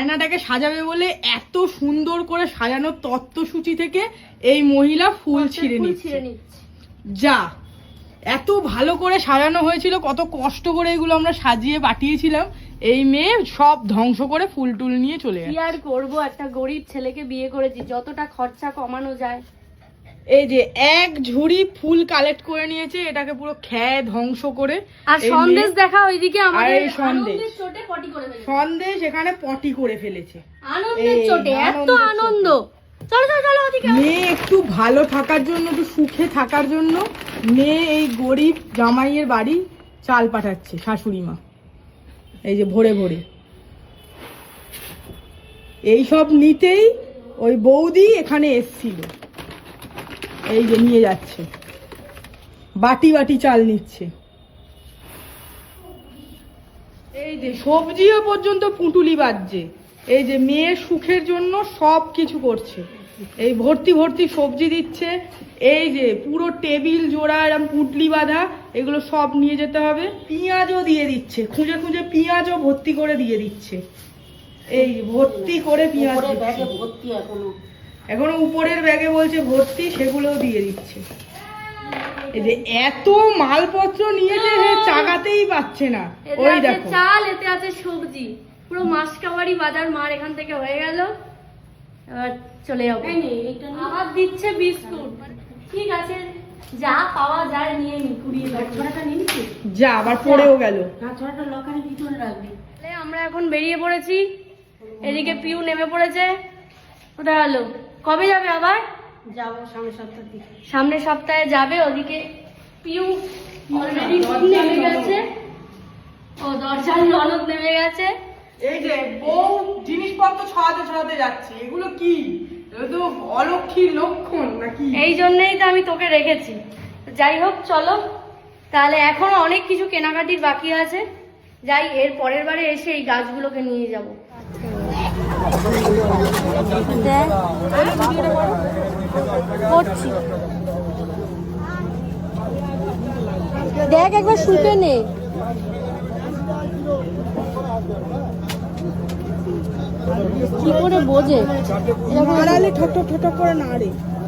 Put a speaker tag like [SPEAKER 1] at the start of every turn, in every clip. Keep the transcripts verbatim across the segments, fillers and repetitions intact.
[SPEAKER 1] আয়নাটাকে সাজাবে বলে এত সুন্দর করে সাজানোর তত্ত্বসূচি থেকে এই মহিলা ফুল ছিঁড়ে নিচ্ছে। যা এত ভালো করে সাজানো হয়েছিল, কত কষ্ট করে এগুলো আমরা সাজিয়ে পাঠিয়েছিলাম, এই মেয়ে সব ধ্বংস করে ফুল টুল নিয়ে চলে গেছে।
[SPEAKER 2] কি আর করবো, একটা গরিব ছেলেকে বিয়ে করেছি, যতটা খরচা কমানো যায়।
[SPEAKER 1] এই যে এক ঝুড়ি ফুল কালেক্ট করে নিয়েছে, এটাকে পুরো খেয়ে ধ্বংস করে।
[SPEAKER 2] আর সন্দেশ দেখা ওইদিকে আমাদের
[SPEAKER 1] সন্দেশ
[SPEAKER 2] চোটে পটি করে ফেলেছে,
[SPEAKER 1] সন্দেশ এখানে পটি করে ফেলেছে
[SPEAKER 2] আনন্দের চোটে। এত আনন্দ, চলো চলো চলো ওদিকে।
[SPEAKER 1] মেয়ে একটু ভালো থাকার জন্য, একটু সুখে থাকার জন্য মেয়ে এই গরিব জামাইয়ের বাড়ি চাল পাঠাচ্ছে শাশুড়ি মা। এই যে ভোরে ভোরে এই সব নিতেই ওই বৌদি এখানে এসছিল, এই যে নিয়ে যাচ্ছে, বাটি বাটি চাল নিচ্ছে। এই যে সবজিও পর্যন্ত পুঁটুলি বাজছে, এই যে মেয়ের সুখের জন্য সব কিছু করছে। এই ভর্তি ভর্তি সবজি দিচ্ছে, এই যে পুরো টেবিল জোড়া এরকম পুঁটলি বাঁধা, এগুলো সব নিয়ে যেতে হবে। পেঁয়াজও দিয়ে দিচ্ছে, খুঁজে খুঁজে পেঁয়াজও ভর্তি করে দিয়ে দিচ্ছে, এই ভর্তি করে পেঁয়াজ ভর্তি, এখনো এখনো উপরের ব্যাগে বলছে ভর্তি, সেগুলোও দিয়ে দিচ্ছে। এই যে এত মালপত্র নিয়েছে, চাগাতেই পাচ্ছে না। ওই দেখো
[SPEAKER 2] চাল, এতে আছে সবজি, পুরো মাসকাবাড়ি বাজার মার এখান থেকে হয়ে গেল। এবার চলে যাবো। আবার দিচ্ছে বিস্কুট, ঠিক আছে যা পাওয়া যায় নিয়ে নি। কুড়িয়ে ছড়াটা নিয়ে নিচ্ছি,
[SPEAKER 1] যা আবার পড়েও গেল।
[SPEAKER 2] ছড়াটা লকারের ভিতরে রাখবি। আমরা এখন বেরিয়ে পড়েছি, এদিকে পিউ নেমে পড়েছে। কোথায় গেল? কবে যাবে আবার? যাবো সামনের সপ্তাহ থেকে, সামনের সপ্তাহে যাবে। ওদিকে পিউ অলরেডি নেমে গেছে, ও দরজার ননদ নেমে গেছে।
[SPEAKER 1] এই যে বউ জিনিসপত্র ছড়াতে ছড়াতে যাচ্ছে, এগুলো কি? এগুলো তো অলক্ষীর লক্ষণ নাকি?
[SPEAKER 2] এই জন্যই তো আমি তোকে রেখেছি। যাই হোক চলো তাহলে, এখনো অনেক কিছু কেনাকাটির বাকি আছে। যাই, এর পরের বারে এসে এই গাছগুলোকে নিয়ে যাব। দেখ একবার শুকে নে। কি করে বোঝে?
[SPEAKER 1] নাড়ালে ঠক ঠক ঠক ঠক করে নাড়ে।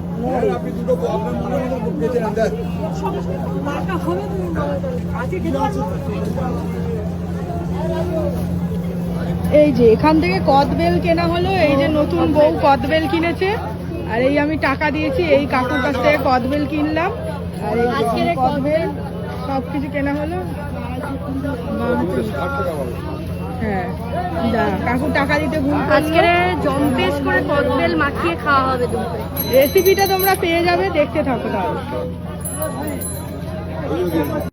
[SPEAKER 1] এই যে এখান থেকে কদবেল কেনা হলো, এই যে নতুন বউ কদবেল কিনেছে, আর এই আমি টাকা দিয়েছি, এই কাকুর কাছ থেকে কদবেল কিনলাম। আর এই কদবেল সবকিছু কেনা হলো। হ্যাঁ, কাকু টাকা দিতে ভুল করলো।
[SPEAKER 2] আজকে জম্পেশ করে কদবেল মাখিয়ে খাওয়া হবে দুপুরে।
[SPEAKER 1] রেসিপিটা তোমরা পেয়ে যাবে, দেখতে থাকো তাহলে।